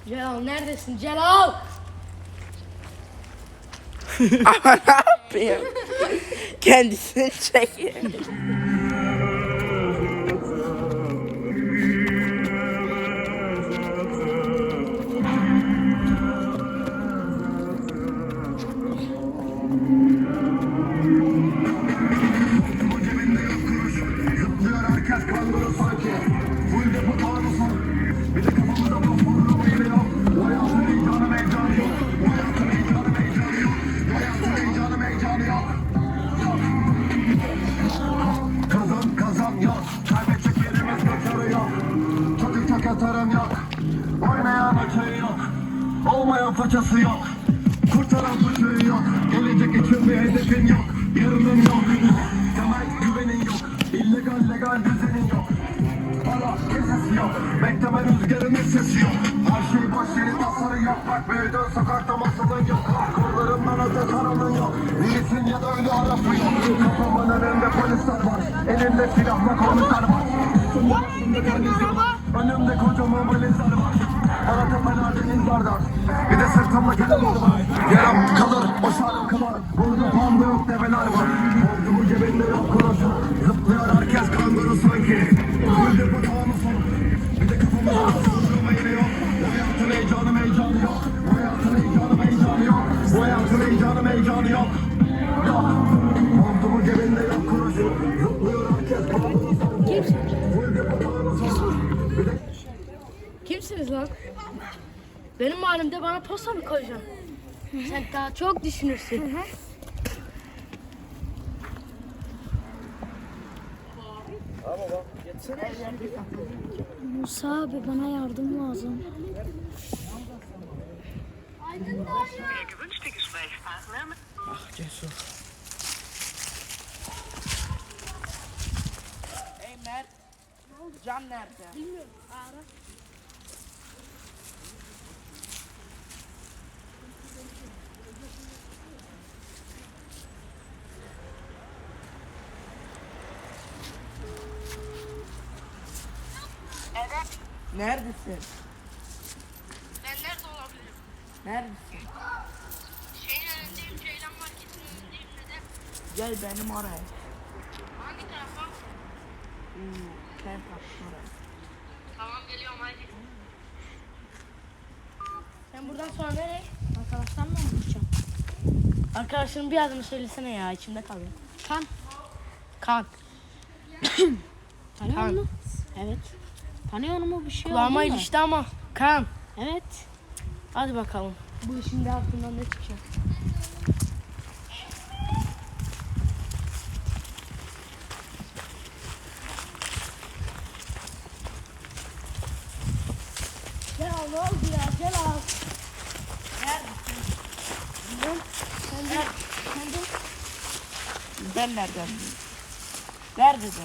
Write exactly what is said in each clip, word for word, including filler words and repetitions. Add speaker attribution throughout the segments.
Speaker 1: Celal neredesin Celal?
Speaker 2: Ama ne yapayım? Kendisini çekiyor.
Speaker 3: Kazan kazan yok, kaybedecek yerimiz kaçarı yok. Çocuk çok atarım yok, oynayan öteği yok. Olmayan façası yok, kurtaran fıçığı yok. Gelecek için bir hedefin yok, yarının yok. Temel güvenin yok, illegal legal düzenin yok. Para kesesi yok, bekleme rüzgarının sesi yok. Her şey boş yeri tasarı yok, bak büyüdün sokakta masalın yok. Kollarımdan öte karanın yok, iyisin ya da ölü arası yok. Kafamın önünde polisler var, elimde silahla komiser var. Önümde kocaman valizler var, bana tepelerde izlerler. Bir de sırtımda kelimler var, yaram kalır, o şarkılar. Burada panda yok, develer var. Borcumu cebinde yok kuruşu, zıplıyor herkes kanguru sanki. Öldü bu tağını sonu, bir de kafamda sırtımda yine yok. Bu hayatın heyecanı heyecanı yok, bu hayatın heyecanı heyecanı yok. Bu hayatın heyecanı heyecanı yok. Yok, borcumu cebinde yok kuruşu, zıplıyor herkes kanguru sanki. Öldü bu tağını sonu, bir de
Speaker 1: Kimsiniz lan? Benim halimde bana posta mı koyacaksın? Sen daha çok düşünürsün.
Speaker 4: Musa abi bana yardım lazım.
Speaker 2: Ah Cesur. Hey Mert. Can nerede?
Speaker 1: Bilmiyorum. Ara.
Speaker 2: Neredesin?
Speaker 1: Ben nerede olabilirim?
Speaker 2: Neredesin?
Speaker 1: Şeyin önündeyim, Ceylan Market'in önündeyim neden?
Speaker 2: Gel benim oraya.
Speaker 1: Hangi tarafa?
Speaker 2: Hmm, sen taktın oraya.
Speaker 1: Tamam geliyorum hadi. Sen buradan sonra nereye? Arkadaşlarla mı buluşacağım? Arkadaşların bir adını söylesene ya, içimde kalıyor. Kan. Kan.
Speaker 4: Tanıyor
Speaker 1: Kan.
Speaker 4: musun? Evet. Tanıyor mu bir şey
Speaker 1: Kulağıma
Speaker 4: oldu mu?
Speaker 1: ilişti ama. Kan.
Speaker 4: Evet.
Speaker 1: Hadi bakalım. Bu işin de altından ne çıkacak? Celal ne oldu ya Celal? Ben, sen de, sen de
Speaker 2: Ben nereden bileyim? Neredesin?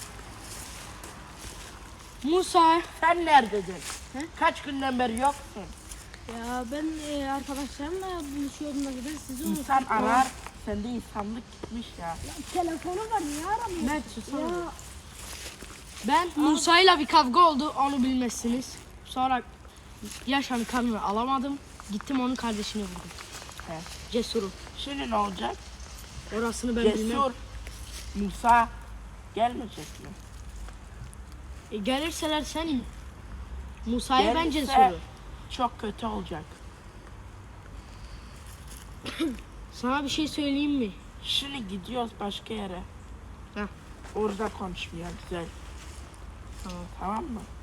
Speaker 1: Musa.
Speaker 2: Sen neredesin? Kaç günden beri yoksun?
Speaker 4: Ya ben e, arkadaşlarımla buluşuyordum da zaten sizi unuttum.
Speaker 2: İnsan arar, sende insanlık gitmiş ya.
Speaker 4: Telefonu var niye aramıyorsun?
Speaker 1: Mert susana.
Speaker 4: Ya
Speaker 1: Ben Musa'yla bir kavga oldu, onu bilmezsiniz. Sonra yaşam kanını alamadım. Gittim onun kardeşini vurdum.
Speaker 2: He.
Speaker 1: Cesur'u.
Speaker 2: Şimdi ne olacak?
Speaker 1: Orasını ben bilmem.
Speaker 2: Cesur, Musa gelmeyecek mi?
Speaker 1: E, gelirseler sen Musa'ya ben
Speaker 2: Gelirse
Speaker 1: Cesur'u.
Speaker 2: çok kötü olacak.
Speaker 1: Sana bir şey söyleyeyim mi?
Speaker 2: Şimdi gidiyoruz başka yere.
Speaker 1: Heh.
Speaker 2: Orada konuşmaya güzel.
Speaker 1: Tamam.
Speaker 2: Tamam mı?